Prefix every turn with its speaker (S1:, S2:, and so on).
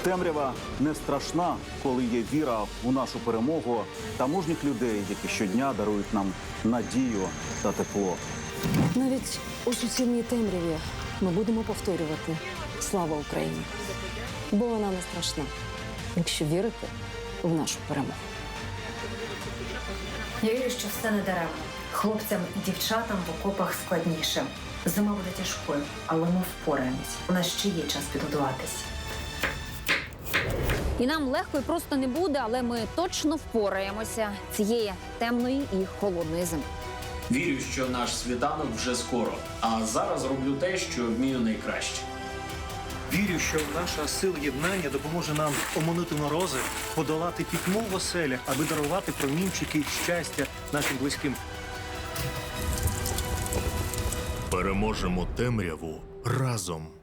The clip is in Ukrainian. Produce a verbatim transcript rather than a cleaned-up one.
S1: Темрява не страшна, коли є віра у нашу перемогу та мужніх людей, які щодня дарують нам надію та тепло.
S2: Навіть у суцільній темряві ми будемо повторювати «Слава Україні!», бо вона не страшна, якщо вірити в нашу перемогу.
S3: Я вірю, що все не даремно. Хлопцям і дівчатам в окопах складніше. Зима буде тяжкою, але ми впораємось. У нас ще є час підготуватись.
S4: І нам легко і просто не буде, але ми точно впораємося цієї темної і холодної зими.
S5: Вірю, що наш світанок вже скоро, а зараз роблю те, що вмію найкраще.
S6: Вірю, що наша сила єднання допоможе нам оминути морози, подолати пітьму в оселях, аби дарувати промінчики щастя нашим близьким.
S7: Переможемо темряву разом.